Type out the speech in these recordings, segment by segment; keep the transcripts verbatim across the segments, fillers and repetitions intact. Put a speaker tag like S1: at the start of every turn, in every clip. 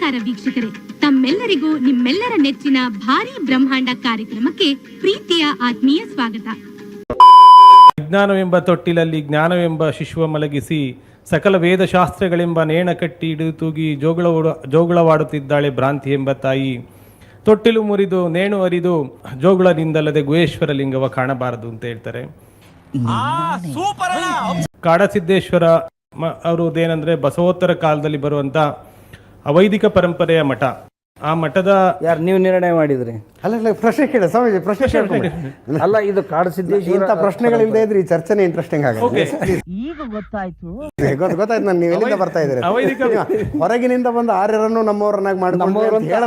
S1: ನಮಸ್ಕಾರ ವೀಕ್ಷಕರೇ, ತಮ್ಮೆಲ್ಲರಿಗೂ ನಿಮ್ಮೆಲ್ಲರ ನೆಚ್ಚಿನ ಭಾರಿ ಬ್ರಹ್ಮಾಂಡ ಕಾರ್ಯಕ್ರಮಕ್ಕೆ ಪ್ರೀತಿಯ ಆತ್ಮೀಯ ಸ್ವಾಗತ.
S2: ವಿಜ್ಞಾನವೆಂಬ ತೊಟ್ಟಿಲಲ್ಲಿ ಜ್ಞಾನವೆಂಬ ಶಿಶುವ ಮಲಗಿಸಿ ಸಕಲ ವೇದಶಾಸ್ತ್ರಗಳೆಂಬ ನೇಣ ಕಟ್ಟಿ ಹಿಡಿದು ತೂಗಿ ಜೋಗಳ ಜೋಗುಳವಾಡುತ್ತಿದ್ದಾಳೆ ಭ್ರಾಂತಿ ಎಂಬ ತಾಯಿ. ತೊಟ್ಟಿಲು ಮುರಿದು ನೇಣು ಅರಿದು ಜೋಗುಳದಿಂದಲ್ಲದೆ ಗುಹೇಶ್ವರ ಲಿಂಗವ ಕಾಣಬಾರದು ಅಂತ ಹೇಳ್ತಾರೆ. ಕಾಡಸಿದ್ದೇಶ್ವರ ಅವರದೇನಂದ್ರೆ ಬಸವೋತ್ತರ ಕಾಲದಲ್ಲಿ ಬರುವಂತ ಅವೈದಿಕ ಪರಂಪರೆಯ ಮಠ. ಆ ಮಠದ
S3: ಯಾರು ನೀವು ನಿರ್ಣಯ ಮಾಡಿದ್ರಿ?
S4: ಅಲ್ಲ ಪ್ರಶ್ನೆ ಕೇಳ ಸ್ವಾಮೀಜಿ, ಪ್ರಶ್ನೆ ಕೇಳ್ಕೊಂಡು
S3: ಅಲ್ಲ, ಇದು ಕಾಡಸಿದ್ದೇಶ್ವರ
S4: ಇಂಥ ಪ್ರಶ್ನೆಗಳಿಲ್ಲದೆ ಇದ್ರೆ ಈ ಚರ್ಚೆನೇ ಇಂಟ್ರೆಸ್ಟಿಂಗ್ ಆಗುತ್ತೆ.
S5: ಈಗ ಗೊತ್ತಾಯ್ತು
S4: ಗೊತ್ತಾಯ್ತು ನಾನು ನೀವು ಎಲ್ಲಿಂದ ಬರ್ತಾ ಇದ್ದೀರಿ.
S2: ಅವೈದಿಕ
S4: ಹೊರಗಿನಿಂದ ಬಂದ ಆರ್ಯರನ್ನು ನಮ್ಮವರನ್ನಾಗಿ ಮಾಡ್ಕೊಂಡು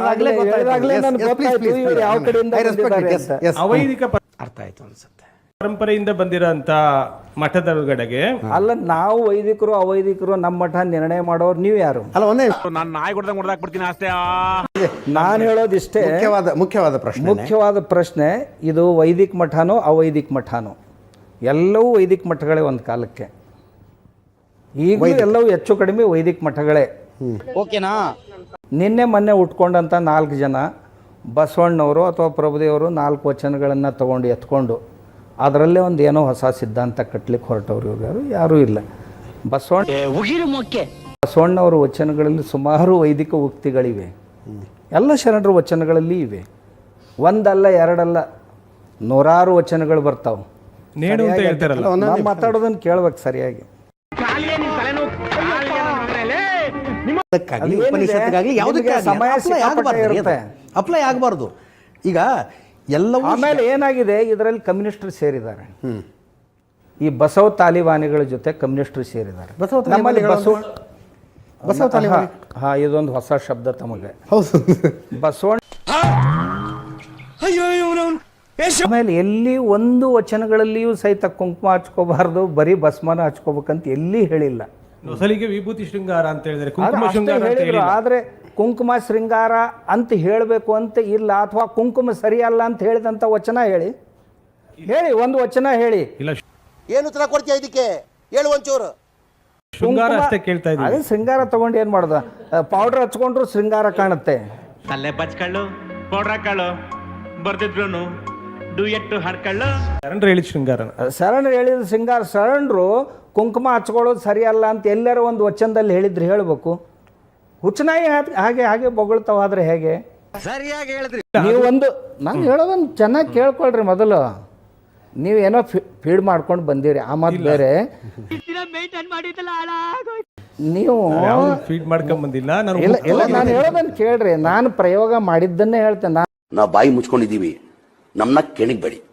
S2: ಅವೈದಿಕ
S4: ಅರ್ಥ ಆಯ್ತು ಅನ್ಸುತ್ತೆ.
S2: ಪರಂಪರೆಯಿಂದ ಬಂದಿರೋಂತ ಮಠದ ಒಳಗಡೆಗೆ
S3: ಅಲ್ಲ, ನಾವು ವೈದಿಕರು ಅವೈದಿಕರು ನಮ್ಮ ಮಠ ನಿರ್ಣಯ ಮಾಡೋರು ನೀವು ಯಾರು?
S4: ಅಲ್ಲ ಒಂದೇ
S6: ನಾನು ನಾಯಿ ಕೊಡ್ದಂಗೆ ಹೊಡೆದಾಕ್ಬಿಡ್ತೀನಿ ಅಷ್ಟೇ.
S3: ನಾನು ಹೇಳೋದಿಷ್ಟೇ,
S4: ಮುಖ್ಯವಾದ ಮುಖ್ಯವಾದ ಪ್ರಶ್ನೆ
S3: ಮುಖ್ಯವಾದ ಪ್ರಶ್ನೆ ಇದು ವೈದಿಕ ಮಠನೋ ಅವೈದಿಕ ಮಠನೋ? ಎಲ್ಲವೂ ವೈದಿಕ ಮಠಗಳೇ ಒಂದು ಕಾಲಕ್ಕೆ. ಈಗ ಎಲ್ಲವೂ ಹೆಚ್ಚು ಕಡಿಮೆ ವೈದಿಕ ಮಠಗಳೇ.
S5: ಓಕೆನಾ?
S3: ನಿನ್ನೆ ಮೊನ್ನೆ ಉಟ್ಕೊಂಡಂಥ ನಾಲ್ಕು ಜನ ಬಸವಣ್ಣವರು ಅಥವಾ ಪ್ರಭುದೇವರು ನಾಲ್ಕು ವಚನಗಳನ್ನು ತಗೊಂಡು ಎತ್ಕೊಂಡು ಅದರಲ್ಲೇ ಒಂದು ಏನೋ ಹೊಸ ಸಿದ್ಧಾಂತ ಕಟ್ಟಲಿಕ್ಕೆ ಹೊರಟವ್ರು ಇವ್ರು ಯಾರು ಯಾರೂ ಇಲ್ಲ. ಬಸವಣ್ಣ ಬಸವಣ್ಣವರ ವಚನಗಳಲ್ಲಿ ಸುಮಾರು ವೈದಿಕ ಉಕ್ತಿಗಳಿವೆ. ಎಲ್ಲ ಶರಣರ ವಚನಗಳಲ್ಲಿ ಇವೆ. ಒಂದಲ್ಲ ಎರಡಲ್ಲ, ನೂರಾರು ವಚನಗಳು ಬರ್ತಾವೆ.
S2: ನೇಣು ಅಂತ ಹೇಳ್ತಾರಲ್ಲ,
S3: ನಾವು ಮಾತಾಡೋದನ್ನು ಕೇಳ್ಬೇಕು ಸರಿಯಾಗಿ. ಸಮಯ ಇರುತ್ತೆ,
S4: ಅಪ್ಲೈ ಆಗಬಾರ್ದು. ಈಗ ಎಲ್ಲವೂ
S3: ಆಮೇಲೆ ಏನಾಗಿದೆ, ಇದರಲ್ಲಿ ಕಮ್ಯುನಿಸ್ಟರು ಸೇರಿದ್ದಾರೆ. ಈ ಬಸವ ತಾಲಿಬಾನಿಗಳ ಜೊತೆ ಕಮ್ಯುನಿಸ್ಟರು ಸೇರಿದ್ದಾರೆ. ನಮ್ಮಲ್ಲಿ ಬಸವ
S4: ಬಸವ ತಾಲಿಬಾನಿ
S3: ಹಾ ಇದೊಂದು ಹೊಸ ಶಬ್ದ ತಮಗೆ.
S4: ಹೌದು,
S3: ಬಸವಣ್ಣ ಆಮೇಲೆ ಎಲ್ಲಿ ಒಂದು ವಚನಗಳಲ್ಲಿಯೂ ಸಹಿತ ಕುಂಕುಮ ಹಚ್ಕೋಬಾರ್ದು, ಬರೀ ಭಸ್ಮನ ಹಚ್ಕೋಬೇಕಂತ ಎಲ್ಲಿ ಹೇಳಿಲ್ಲ.
S2: ನೊಸಲಿಗೆ ವಿಭೂತಿ ಶೃಂಗಾರ ಅಂತ ಹೇಳಿದ್ರೆ ಕುಂಕುಮ ಶೃಂಗಾರ ಅಂತ ಹೇಳಿಲ್ಲ.
S3: ಆದ್ರೆ ಕುಂಕುಮ ಶೃಂಗಾರ ಅಂತ ಹೇಳಬೇಕು ಅಂತ ಇಲ್ಲ, ಅಥವಾ ಕುಂಕುಮ ಸರಿಯಲ್ಲ ಅಂತ ಹೇಳಿದಂತ ವಚನ ಹೇಳಿ ಹೇಳಿ ಒಂದು ವಚನ ಹೇಳಿ.
S2: ಇಲ್ಲ,
S7: ಏನು ಉತ್ತರ ಕೊಡ್ತೀಯ ಇದಕ್ಕೆ? ಹೇಳು ಒಂಚೂರು.
S2: ಶೃಂಗಾರ ಅಷ್ಟೇ ಕೇಳ್ತಾ ಇದ್ದೀನಿ.
S3: ಅದೇ ಶೃಂಗಾರ ತಗೊಂಡು ಏನ್ ಮಾಡೋದು? ಪೌಡರ್ ಹಚ್ಕೊಂಡ್ರು ಶೃಂಗಾರ ಕಾಣುತ್ತೆ.
S6: ತಲೆ ಬಚ್ಕಳ್ಳು, ಪೌಡ್ರ್ ಹಾಕಳು, ಬರ್ದಿದ್ರು ಡುಯೆಟ್ಟು ಹಾಡ್ಕಳ್ಳು.
S2: ಶರಣರು ಹೇಳಿದ ಶೃಂಗಾರ.
S3: ಶರಣರು ಹೇಳಿದ ಶೃಂಗಾರ. ಶರಣರು ಕುಂಕುಮ ಹಚ್ಕೊಳ್ಳೋದು ಸರಿಯಲ್ಲ ಅಂತ ಎಲ್ಲರೂ ಒಂದು ವಚನದಲ್ಲಿ ಹೇಳಿದ್ರೆ ಹೇಳ್ಬೇಕು. ಹುಚ್ಚನಾಯಿ ಹಾಗೆ ಹಾಗೆ ಬೊಗಳ್ತಾವಾದ್ರೆ ಹೇಗೆ?
S7: ಸರಿಯಾಗಿ ಹೇಳಿದ್ರಿ
S3: ನೀವು ಒಂದು ನಾನು ಹೇಳೋದನ್ನು ಚೆನ್ನಾಗಿ ಕೇಳ್ಕೊಳ್ರಿ. ಮೊದಲು ನೀವೇನೋ ಫೀಡ್ ಮಾಡ್ಕೊಂಡು ಬಂದಿರಿ, ಆ ಮಾತು ಬೇರೆ. ನೀವು
S2: ಫೀಡ್ ಮಾಡ್ಕೊಂಡ್ ಬಂದಿಲ್ಲ.
S3: ಇಲ್ಲ ಇಲ್ಲ ನಾನು ಹೇಳೋದನ್ನು ಕೇಳ್ರಿ. ನಾನು ಪ್ರಯೋಗ ಮಾಡಿದ್ದನ್ನೇ ಹೇಳ್ತೇನೆ.
S8: ನಾವು ಬಾಯಿ ಮುಚ್ಕೊಂಡಿದ್ದೀವಿ, ನಮ್ಮನ್ನ ಕೆಣಗಬೇಡಿ.